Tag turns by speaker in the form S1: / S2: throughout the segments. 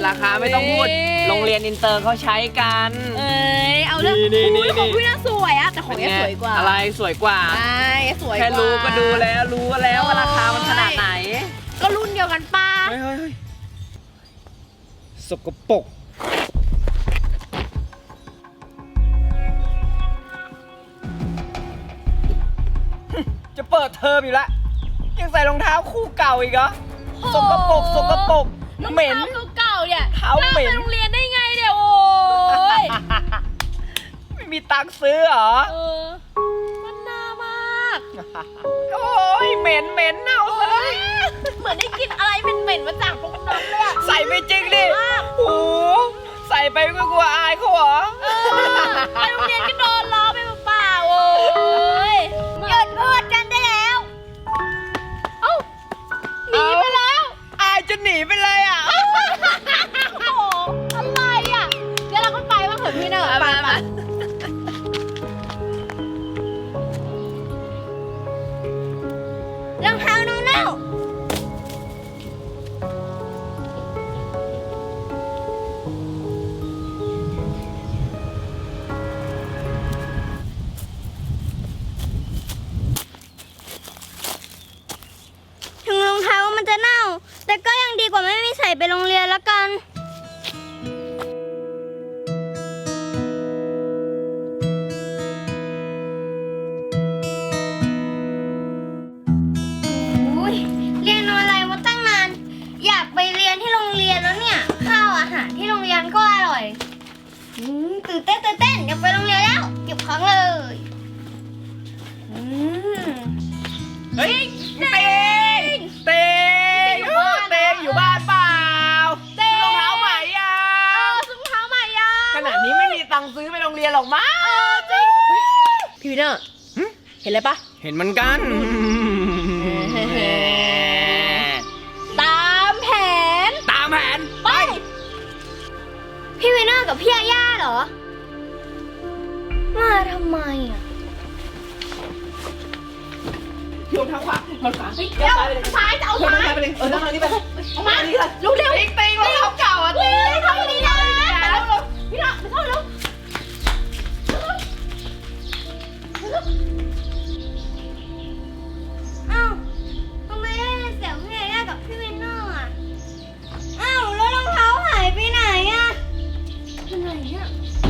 S1: ราคาไม่ต้องพูดโรงเรียนอินเตอร์เขาใช้กัน
S2: เอาเรื่องของพี่น่าสวยอะแต่ของแกสวยกว่า
S1: อะไรสวยกว่า
S2: ใช่สวยกว่า
S1: แค่รู้ก็ดูแล้วรู้แล้วว่าราคามันขนาดไหน
S2: ก็รุ่นเดียวกันป้า
S1: เฮ้ยสกปรกจะเปิดเทอมอยู่แล้วยังใส่รองเท้าคู่เก่าอีกเหรอสกปรกเหม็น
S2: เก่าเนี่ย
S1: เท้าเหม็น
S2: ไปโรงเรียนได้ไงเนี่ยโอ้ย
S1: ไม่มีตังค์ซื้อเหรอ
S2: มันน่ามาก
S1: โอ้ยเหม็นเน่าซะเลย
S2: เหมือนได้กินอะไรเหม็นมาจากพวกน้ำเลย
S1: ใส่ไปจริงดิโอ้ใส่ไปก็กลัวอายเขาเหรอ
S2: ไปโรงเรียนก็โดนล้อไปเปล่าโอ้ยหยุดพูดกันได้แล้วเอ้าหนีไปแล้ว
S1: อายจะหนีไปเลยอ่ะ
S2: โอ้อะไรอ่ะเดี๋ยวเราก็ไปบ้างเถอะพี่เนอะไปรองเท้าน้องเน่าถึงรองเท้ามันจะเน่าแต่ก็ยังดีกว่าไม่มีใส่ไปโรงเรียนละกันเรียนอะไรมาตั้งนานอยากไปเรียนที่โรงเรียนแล้วเนี่ยข้าวอาหารที่โรงเรียนก็อร่อยตื่นเต้นอยากไปโรงเรียนแล้วเก็บของเลย
S1: เฮ้ยเตงอยู่บ้านเปล่าซื้อรองเท้าใหม่ยัง
S2: ซื้อรองเท้าใหม่ยัง
S1: ขนาดนี้ไม่มีตังค์ซื้อไปโรงเรียนหรอกมั้ง
S2: จริงพี่วินเนอร์เห็นอะไรปะ
S1: เห็นเหมือนกัน
S2: ตามแผนไปพี่วินเนอร์กับพี่ย่าเหรอมาทำไมอ่ะ
S1: โยนเท้าขวามันขวา
S2: ซ้ายจะเอาซ้าย
S1: ไปเลยนั่งนี่ไป
S2: เอามาเร็ว
S1: ตีรองเท้าเก่าอ่ะตี
S2: ทำดีนะพี่น้องไปเข้าเร็วอ้าวทำไมได้เสียงพี่ย่ากับพี่วินเนอร์อ่ะอ้าวแล้วรองเท้าหายไปไหนอ่ะอยู่ไหนเนี่ย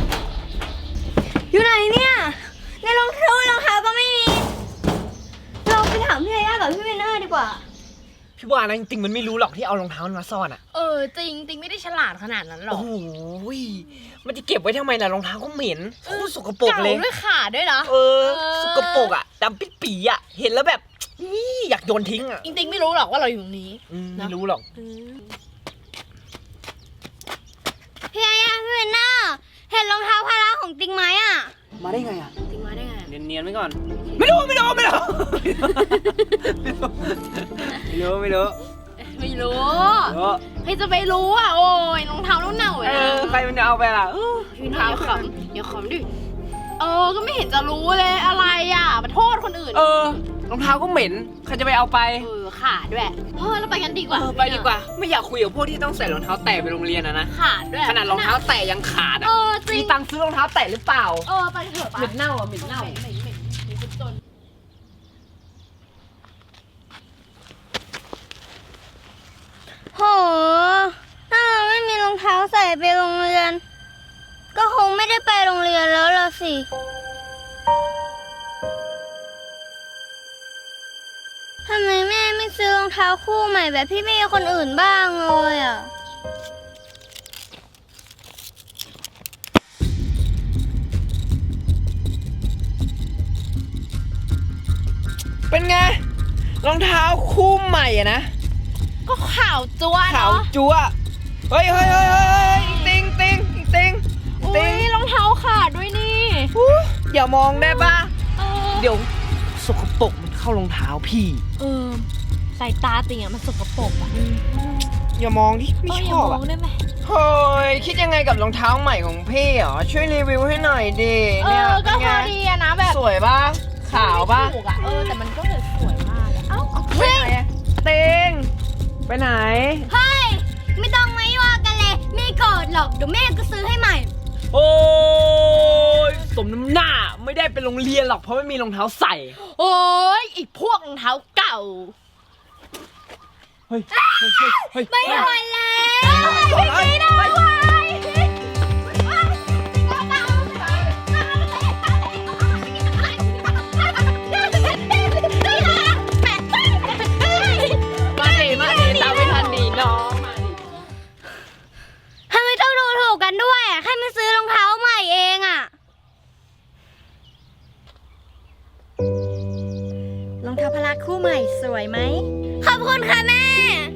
S2: ในรองเท้าก็ไม่มีเราไปถามพี่ย่ากับพี่วินเนอร์ดีกว่า
S1: พี่ว่านะจริงๆมันไม่รู้หรอกที่เอารองเท้ามาซ่อนอ่ะ
S2: จริงไม่ได้ฉลาดขนาดนั้นหรอก
S1: โอ้ยมันจะเก็บไว้ทำไมล่ะรองเท้าก็เหม็นโคตรสกปรกเลย
S2: เก่าด้วยขาด้วยนะ
S1: สกปรกอ่ะดำปี๋อ่ะเห็นแล้วแบบอยากโยนทิ้งอ่ะ
S2: จริงไม่รู้หรอกว่าเราอยู่ตรงนี้
S1: ไม่รู้หรอก
S2: พี่ย่าพี่วินเนอร์เห็นรองเท้าพาราของติ๊งไหมอ่ะ
S1: มาได้ไงอ่ะ
S2: ติ๊งมาได้ไง
S1: เนียนไว้ก่อนไม่รู้
S2: ใครจะไปรู้อ่ะโอ้ยรองเท้าเน่าเลย
S1: ใครมันจะเอาไปล่ะ
S2: พี่เท้าเดี๋ยวขำดิก็ไม่เห็นจะรู้เลยอะไรอ่ะมาโทษคนอื่น
S1: รองเท้าก็เหม็นใครจะไปเอาไป
S2: ขาดด้วยเราไปกันดีกว่า
S1: ไปดีกว่าไม่อยากคุยกับพวกที่ต้องใส่รองเท้าแตะไปโรงเรียนนะ
S2: ขาดด้วย
S1: ขนาดรองเท้าแตะยังขาดมีตังค์ซื้อรองเท้าแตะหรือเปล่า
S2: ไปเถอะ
S1: เหม็นเน่าเหม็น
S2: จนโหถ้าเราไม่มีรองเท้าใส่ไปโรงเรียนก็คงไม่ได้ไปโรงเรียนแล้วล่ะสิทำไมแม่ไม่ซื้อรองเท้าคู่ใหม่แบบพี่เมย์คนอื่นบ้างเลยอ่ะ
S1: เป็นไงรองเท้าคู่ใหม่อะนะ
S2: ก็ขาวจั๊ว
S1: ขาวจั๊วเฮ้ยติง
S2: รองเท้าขาดด้วยนี่
S1: อย่ามองได้ป่ะเดี๋ยวสกปรกมันเข้ารองเท้าพี่
S2: สายตาติงอะมันสกปรกอะ
S1: อย่ามองดิไม่ชอบ
S2: อะได้ไหม
S1: เฮ้ยคิดยังไงกับรองเท้าใหม่ของพี่เหรอช่วยรีวิวให้หน่อยดิ
S2: เนี่ยก็พอดีอะนะแบบ
S1: สวยป่ะขาวป่ะ
S2: แต่มันก็สวยมาก
S1: ไปไหนเต็งไปไหน
S2: เฮ้ยไม่ต้องมายั่วกันเลยเดี๋ยวแม่ก็ซื้อให้ใหม่
S1: โอ้ยสมน้ำหน้าไม่ได้ไปโรงเรียนหรอกเพราะไม่มีรองเท้าใส่
S3: โอ้ยไอ้พวกรองเท้าเก่า
S1: เฮ้ยเฮ้ย
S2: ไม่ไหวแล้ว
S1: ไม่ได้
S3: มาดิตามไม่ทันดีน้องมาดิ
S2: ทำไมต้องดูถูกกันด้วยอ่ะแค่มาซื้อรองเท้าใหม่เองอ่ะ
S4: รองเท้าพละคู่ใหม่สวยไหม
S2: ขอบคุณค่ะแม่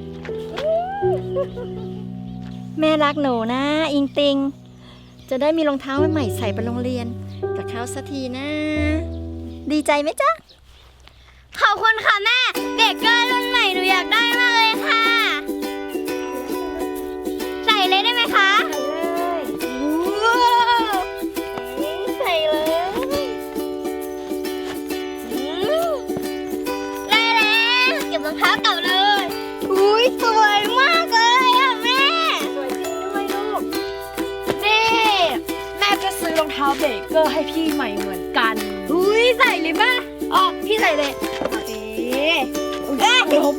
S4: แม่รักหนูนะอิงติง จะได้มีรองเท้าใหม่ใส่ไปโรงเรียนกับเขาสักทีนะ ดีใจไหมจ๊ะ
S2: ขอบคุณค่ะแม่เบเกอร์รุ่นใหม่หนูอยากได้มากเลยค่ะ ใส่เลยได้ไหมคะว้าวใส่เลยได้แล้วเก็บรองเท้าเก่าเลยอุ้ยสวยมากเลยอ่ะแม่สวยจริงด้วยลูก
S3: นี่แม่จะซื้อรองเท้าเบเกอร์ให้พี่ใหม่เหมือนกัน
S2: อุ้ยใส่เลยป่ะ
S3: อ๋อพี่ใส่เลยเอ๊ะเดี๋ยว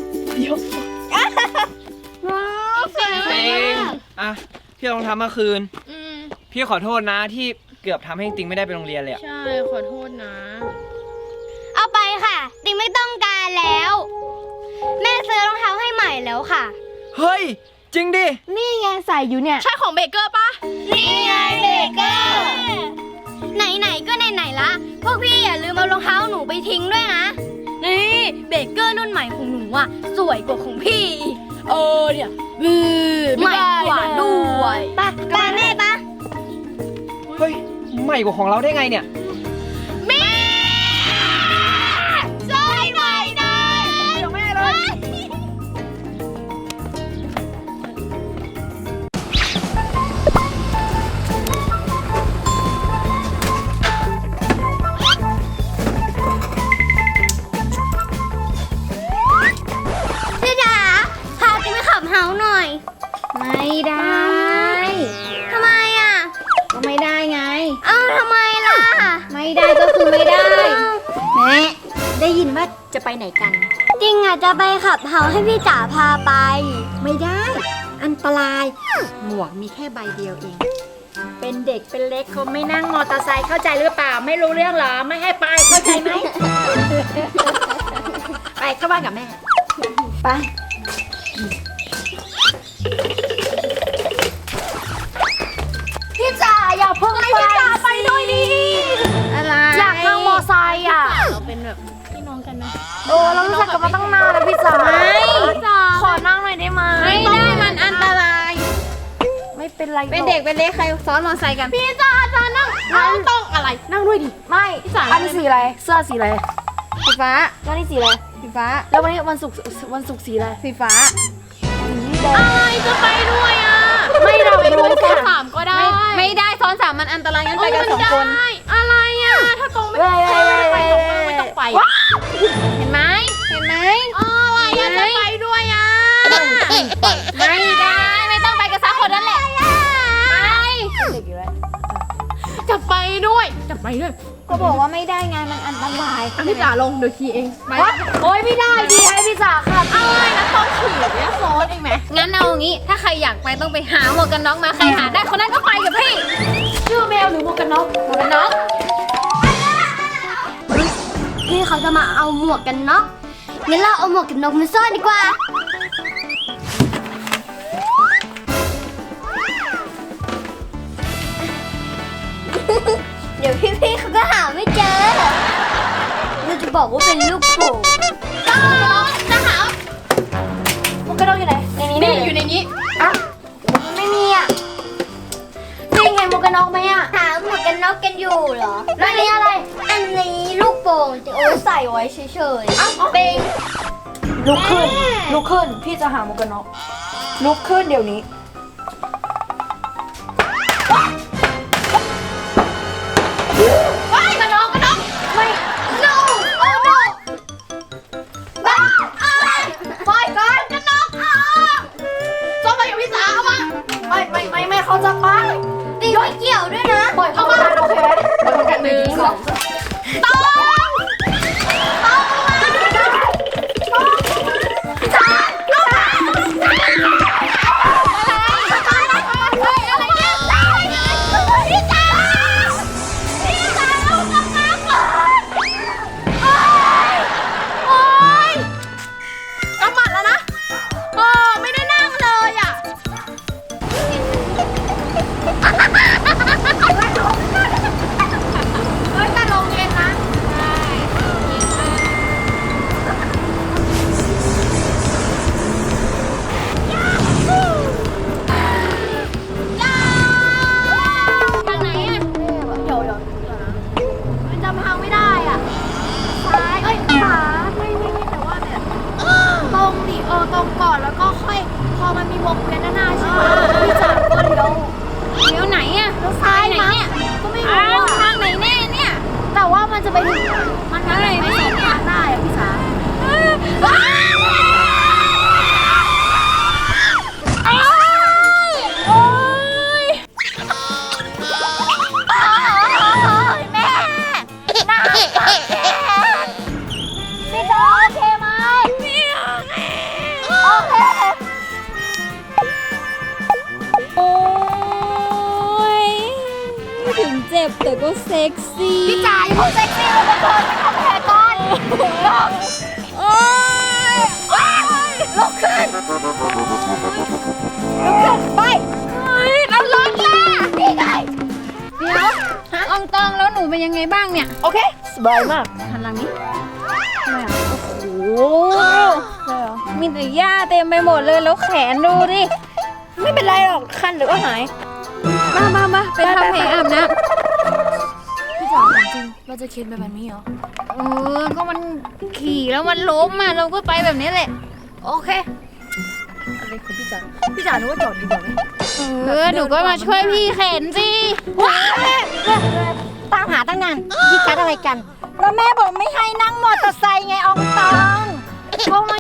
S2: ว้าวสวย
S1: เต็ง
S2: มาก
S1: อ่ะพี่เอารองเท้ามาคืน
S3: อืม
S1: พี่ขอโทษนะที่เกือบทำให้ติงไม่ได้ไปโรงเรียนเลยอะ
S3: ใช่ขอโทษนะ
S2: เอาไปค่ะติ๊งไม่ต้องการแล้ว แม่ซื้อรองเท้าให้ใหม่แล้วค่ะ
S1: เฮ้ยจริงดิ
S3: นี่ไงใส่อยู่เนี่ย ใช่ของเบเกอร์ปะ
S2: นี่ไงเบเกอร์ไหนๆก็ไหนๆละพวกพี่อย่าลืมเอารองเท้าหนูไปทิ้งด้วยนะ นี่เบเกอร์รุ่นใหม่ของหนูอ่ะสวยกว่าของพี่อีก
S3: เออเนี่ย
S2: ใหม่
S3: ไม่ได้
S2: กว่าด้วย
S3: ไป
S2: ไปแม่ปะ
S1: เฮ้ยใหม่กว่าของเราได้ไงเนี่ย
S2: แม่ช่วยหน่อยนะ
S1: เดี๋ยวแม่เลย
S2: พี่จ๋าพาติ๊งไปขับเฮาหน่อย
S4: ไม่ได้
S2: ทำไมอ่ะ
S4: ก็ไม่ได้ไง
S2: เอ้าทำไมล่ะ
S4: ไม่ได้ก็คือไม่ได้แม่ได้ยินว่าจะไปไหนกัน
S2: จริงอ่ะจะไปขับเฮาให้พี่จ๋าพาไป
S4: ไม่ได้ อันตราย หมวกมีแค่ใบเดียวเอง เป็นเด็กเป็นเล็กเขาไม่นั่งมอเตอร์ไซค์เข้าใจหรือเปล่า ไม่รู้เรื่องเหรอ ไม่ให้ไปเข้าใจไหม ไปเข้าบ้านกับแม่ ไป
S3: พี่จ๋าอย่าเพิ่งให้พี่จ๋าไปด้วยดิ
S4: อะไร
S3: อยากนั่งมอไซค์อ่ะเราเป็นแบบพี่น้องกันไหมโอ้เรารู้จักกันมาตั้งนานแล้วพี่จ๋าขอนั่งหน่อยได้ไหม
S4: ไม่ได้มันอันตราย
S3: ไม่เป็นไร
S4: เป็นเด็กเป็นเล็กใครซ้อนมอเตอร์ไซค์กัน
S3: พี่จ๋าจะนั่งต้องอะไรนั่งด้วยดิไม่พี่จ๋าอันนี้สีอะไรเสื้อสีอะไร
S4: สีฟ้า
S3: แล้วนี่สีอะไร
S4: สีฟ้า
S3: แล้ววันนี้วันศุกร์สีอะไร
S4: สีฟ้า
S3: อะไรจะไปด้วยอ่ะไม่เราไปด้วยซ้อนสามก็ได้
S4: ไม่ได้ซ้อนสามมันอันตรายงั้นไปกันสองคน
S3: อะไรอ่ะถ้าตรงไม่ไปตรงไม่ต้องไป
S4: เห็นไหมเห็นไหม
S3: อะไรอ่ะจะไปด้วยอ่ะ
S4: ไม่ได้ไม่ต้องไปกันสักคนนั่นแหละไป
S3: จะไปด้วยจะไปด้วย
S4: ก็บอกว่าไม่ได้ไงมันอันตราย
S3: พี่จ๋าลงเดี๋ยวขี่เองไปโอ้ยไม่ได้ดีให้พี่จ๋าขับอะไรนะต้องขี่เนี่ยซ้อนเองไหม
S4: งั้นเอางี้ถ้าใครอยากไปต้องไปหาหมวกกันน็อกมาใครหาได้คนนั้นก็ไปกับพี่
S3: ชื่อแมวหรือหมวกกันน็อก
S4: หมวกกันน็อก
S2: พี่เขาจะมาเอาหมวกกันน็อกงั้นเราเอาหมวกกันน็อกมาซ่อนดีกว่า เดี๋ยวพี่ๆเขาก็หาไม่เจอ เราจะบอกว่าเป็นลูกโป่ง
S3: จะหาหมวกกันน็อกอยู่ไหนในนี้นี่อยู่ในนี้
S2: ไม่มีอ่ะ
S3: นี่ไงหมวกกันน็อกไหมอ่ะ
S2: หาหมวกกันน็อกกันอยู่เหรอ
S3: แล้วนี่อะไร
S2: อันนี้ลูกโป่งจะเอาไว้ใส่ไว้เฉยๆ
S3: เป็นลุกขึ้นพี่จะหาหมวกกันน็อกลุกขึ้นเดี๋ยวนี้กันน็อกไม่
S2: no oh no บ้าอะไร
S3: ปล่อยก่อนกันน็อกซ้อมไปกับพี่สาวเอามาไม่เขาจะไป
S2: ตีไม่เกี่ยวด้วยนะ
S3: ปล่อยเขามาโอเคปล่อยเขากัน1 2 กำหมัดแล้วนะโอ้ไม่ได้นั่งเลยอ่ะเฮ้ยแต่ลงเย็นนะทางไหนอ่ะเดี๋ยวนะมันจำทางไม่ได้อ่ะซ้ายเอ้ยขวาไม่แต่ว่าแบบ ตรงดิตรงก่อนแล้วก็ค่อยพอมันมีวงเวียนด้านหน้าใช่ไหมพี่จ๋าก็เลี้ยวไหนอะเลี้ยวซ้ายไหนเนี่ยก็ไม่รู้อะทางไหนแน่เนี่ยแต่ว่ามันจะไปถึงมันทางไหนไม่สองทางได้อะพี่จ๋าแม่หน้าพี่จ๋าโอเคไหมโอเคโอ้ยไม่ถึงเจ็บแต่ก็เซ็กซี่พี่จ๋าอย่าพูดเซ็กซี่เลยก่อนไม่ทำแผลก่อนโอ้ยลุกขึ้นไปแล้วรถล่ะนี่ไงเดี๋ยวอองตองแล้วหนูเป็นยังไงบ้างเนี่ยโอเคสบายมากหันหลังนี้โอ้มีแต่หญ้าเต็มไปหมดเลยแล้วแขนดูดิไม่เป็นไรหรอกคันเดี๋ยวก็หายมาไปทำแผลอาบน้ำพี่จ๋าจริงเราจะเข็นไปแบบนี้เหรอก็มันขี่แล้วมันล้มมาเราก็ไปแบบนี้แหละโอเคอะไรคือพี่จ๋าหนูว่าจอดดีกว่าไหมหนูก็มาช่วยพี่เข็นสิว้าวตามหาตั้งนานพี่กัดอะไรกันแล้วแม่บอกไม่ให้นั่งมอเตอร์ไซค์ไงอองตองก็มา